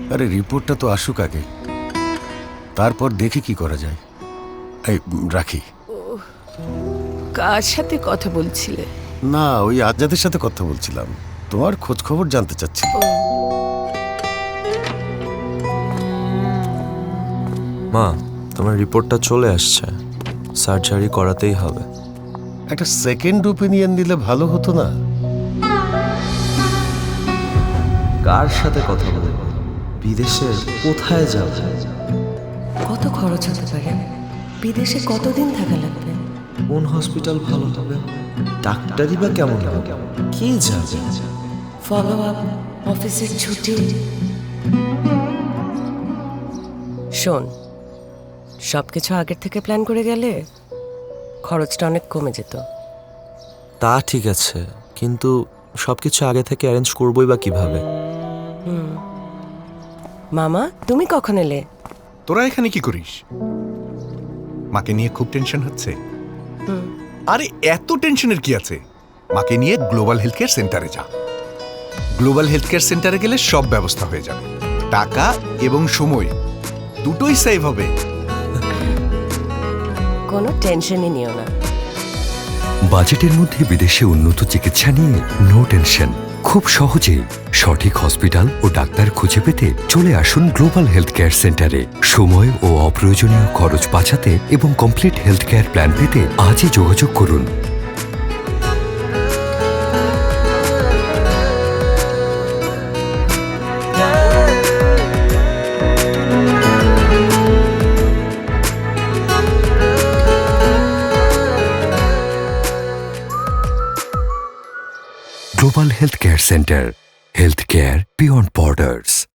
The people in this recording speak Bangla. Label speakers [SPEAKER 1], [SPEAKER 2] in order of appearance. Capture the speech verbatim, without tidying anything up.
[SPEAKER 1] আরে রিপোর্টটা তো আসুক আগে, তারপর দেখি কি করা যায়। এই রাখি।
[SPEAKER 2] কার সাথে কথা বলছিলে?
[SPEAKER 1] না, ওই আজাদের সাথে কথা বলছিলাম, তোমার খোঁজ খবর জানতে চাচ্ছি।
[SPEAKER 3] মা, তোমার রিপোর্টটা চলে আসছে, সার্জারি করাতেই হবে।
[SPEAKER 1] একটা সেকেন্ড ওপিনিয়ন দিলে ভালো হতো না?
[SPEAKER 3] কার সাথে কথা বলবো? বিদেশে কোথায় যাব?
[SPEAKER 4] কত খরচ হতে পারে? বিদেশে কতদিন থাকা লাগবে?
[SPEAKER 3] কোন হসপিটাল ভালো হবে? ডাক্তারই বা কেমন হবে? কে যাবে?
[SPEAKER 4] ফলো আপ, অফিসের ছুটি। শোন, সব কিছু আগের থেকে প্ল্যান করে গেলে খরচটা অনেক কমে যেত।
[SPEAKER 3] তা ঠিক আছে, কিন্তু সবকিছু আগে থেকে অ্যারেঞ্জ করবোই বা কিভাবে?
[SPEAKER 4] মামা, তুমি কখন এলে?
[SPEAKER 5] তোরা এখানে কি করিস? মাকে নিয়ে খুব টেনশন হচ্ছে? আরে এত টেনশনের কি আছে? মাকে নিয়ে গ্লোবাল হেলথ কেয়ার সেন্টারে যা। গ্লোবাল হেলথ কেয়ার সেন্টারে গেলে সব ব্যবস্থা হয়ে যাবে, টাকা এবং সময় দুটোই সেভ হবে।
[SPEAKER 4] কোনো টেনশনই নিও না।
[SPEAKER 6] বাজেটের মধ্যে বিদেশে উন্নত চিকিৎসা নিয়ে নো টেনশন। খুব সহজেই সঠিক হসপিটাল ও ডাক্তার খুঁজে পেতে চলে আসুন গ্লোবাল হেলথ কেয়ার সেন্টারে। সময় ও অপ্রয়োজনীয় খরচ বাঁচাতে এবং কমপ্লিট হেলথ কেয়ার প্ল্যান পেতে আজই যোগাযোগ করুন। Global Healthcare Center. Healthcare beyond borders.